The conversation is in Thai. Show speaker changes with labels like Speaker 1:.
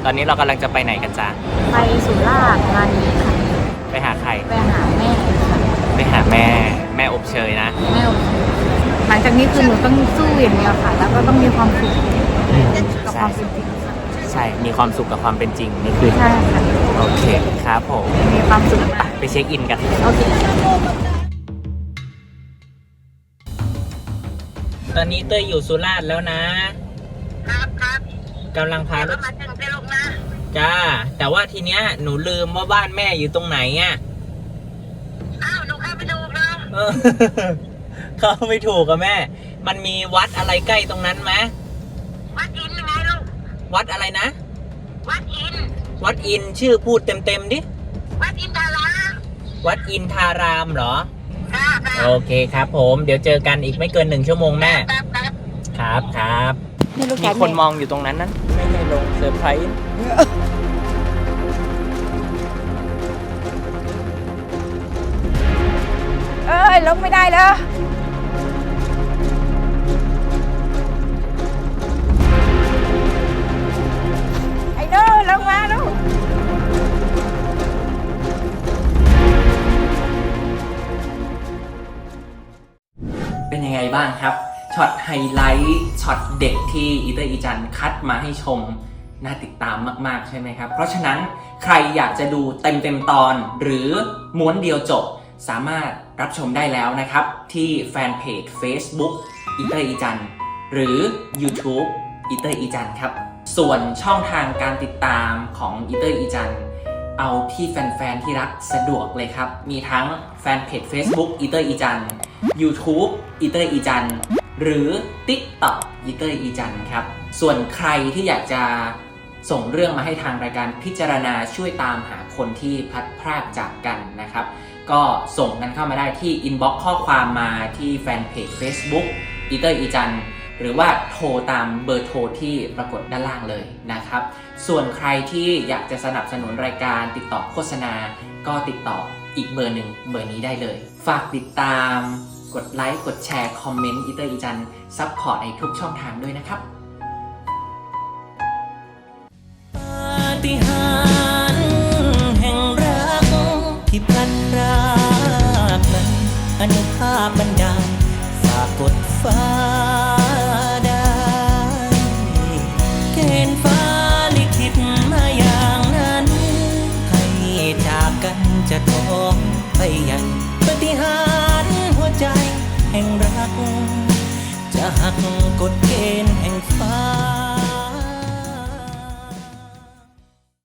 Speaker 1: อนนี้เรากำลังจะไปไหนกันจ๊ะ
Speaker 2: ไปสุราษฎร์ธานีค่ะ
Speaker 1: ไปหาใคร
Speaker 2: ไปหาแม่ค่ะ
Speaker 1: ไปหาแม่อบเชยนะ
Speaker 2: แม่อบเชยหลังจากนี้คือหนูต้องสู้อย่างเดียวค่ะแล้วก็ต้องมีความสุขกับความเป็นจริงค่ะ
Speaker 1: ใช่มีความสุขกับความเป็นจริงนี่คือ
Speaker 2: ใช่ค่ะ
Speaker 1: โอเคครับผม
Speaker 2: มีความสุข
Speaker 1: ไปเช็คอินกัน
Speaker 2: โอเค
Speaker 1: ตอนนี้เต้ยอยู่สุราษฎร์แล้วนะครับกำลังพารถมาถึงลูกนะจ้าแต่ว่าทีเนี้ยหนูลืมว่าบ้านแม่อยู่ตรงไหนอ่ะ
Speaker 3: อ้าวหนูเข้าไปดูเลย
Speaker 1: เข้าไม่ถูกอะแม่มันมีวัดอะไรใกล้ตรงนั้นไหม
Speaker 3: วัดอินยังไงลูก
Speaker 1: วัดอะไรนะ
Speaker 3: วัดอิน
Speaker 1: ชื่อพูดเต็มดิ
Speaker 3: วัดอินทาราม
Speaker 1: วัดอินทารามเหรอ
Speaker 3: ค่ะ
Speaker 1: โอเคครับผมเดี๋ยวเจอกันอีกไม่เกิน1 ชั่วโมงแม่ครับมีคนมองอยู่ตรงนั้นไม่ให้ลงเซอร์ไพรส์
Speaker 2: ลงไม่ได้เลยไอ้โน่ลงมาลูก
Speaker 1: เป็นยังไงบ้างครับช็อตไฮไลท์ช็อตเด็กที่อีเตอร์อีจันคัดมาให้ชมน่าติดตามมากๆใช่ไหมครับเพราะฉะนั้นใครอยากจะดูเต็มตอนหรือม้วนเดียวจบสามารถรับชมได้แล้วนะครับที่แฟนเพจ Facebook อีเตอร์อีจันหรือ YouTube อีเตอร์อีจันครับส่วนช่องทางการติดตามของอีเตอร์อีจันเอาที่แฟนๆที่รักสะดวกเลยครับมีทั้งแฟนเพจ Facebook อีเตอร์อีจัน YouTube อีเตอร์อีจันหรือ TikTok อีเตอร์อีจันครับส่วนใครที่อยากจะส่งเรื่องมาให้ทางรายการพิจารณาช่วยตามหาคนที่พลัดพรากจากกันนะครับก็ส่งกันเข้ามาได้ที่อินบ็อกซ์ข้อความมาที่แฟนเพจ Facebook อีเตอร์อีจันหรือว่าโทรตามเบอร์โทรที่ปรากฏด้านล่างเลยนะครับส่วนใครที่อยากจะสนับสนุนรายการติดต่อโฆษณาก็ติดต่ออีกเบอร์หนึ่งเบอร์นี้ได้เลยฝากติดตามกดไลค์กดแชร์คอมเมนต์อีเตอร์อีจันซัพพอร์ตในทุกช่องทางด้วยนะครับปาฏิหาริย์แห่งรักที่พลัดพรากนั้นอนุภาพบันดาลฝากกดฟ้าได้เกณฑ์ฟ้าลิขิตมาอย่างนั้นให้จากกันจะท้องไปยังปาฏิหาริย์หัวใจแห่งรักจะหักกฎเกณฑ์แห่งฟ้า